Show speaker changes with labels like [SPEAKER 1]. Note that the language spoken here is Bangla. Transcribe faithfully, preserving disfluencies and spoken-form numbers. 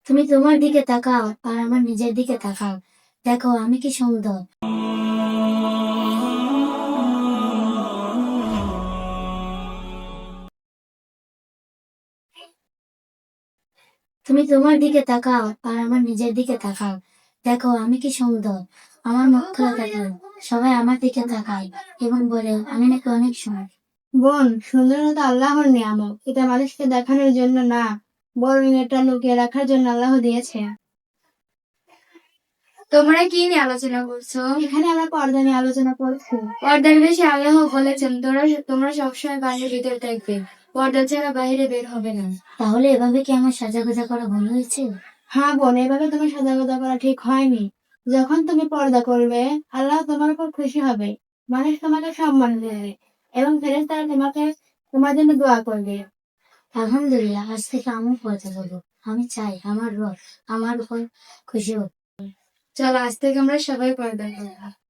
[SPEAKER 1] তুমি তোমার দিকে তাকাও আর আমার নিজের দিকে তাকাও, দেখো আমি কি সুন্দর। তুমি তোমার দিকে তাকাও আর আমার নিজের দিকে তাকাও, দেখো আমি কি সুন্দর। আমার মুখ খোলা থাকে, সবাই আমার দিকে তাকায় এবং বলে আমি নাকি অনেক সুন্দর।
[SPEAKER 2] বোন, সুন্দরতা আল্লাহর নিয়ামত, এটা মানুষকে দেখানোর জন্য না, বরং এটা লুকিয়ে রাখার জন্য আল্লাহ দিয়েছে।
[SPEAKER 3] তোমরা কি নিয়ে আলোচনা করছো?
[SPEAKER 2] এখানে আমরা পর্দা নিয়ে আলোচনা করছি।
[SPEAKER 3] পর্দার বেশি আল্লাহ বলেছেন তোমরা তোমরা সবসময় বাড়ির ভিতরে থাকবে, পর্দা ছাড়া বাইরে বের হবে না।
[SPEAKER 1] তাহলে এভাবে কি আমার সাজাগোজা করা ভুল হয়েছে?
[SPEAKER 2] হ্যাঁ বোন, এভাবে তোমার সাজাগোজা করা ঠিক হয়নি। যখন তুমি পর্দা করবে, আল্লাহ তোমার উপর খুশি হবে, মানুষ তোমাকে সম্মান দেবে এবং ফেরেশতারা তোমাকে তোমার জন্য দোয়া করবে।
[SPEAKER 1] আলহামদুলিল্লাহ, আজ থেকে আমি পর্দা করবো। আমি চাই আমার রব আমার উপর খুশি হোক।
[SPEAKER 3] চলো আজ থেকে আমরা সবাই পর্দা করবো।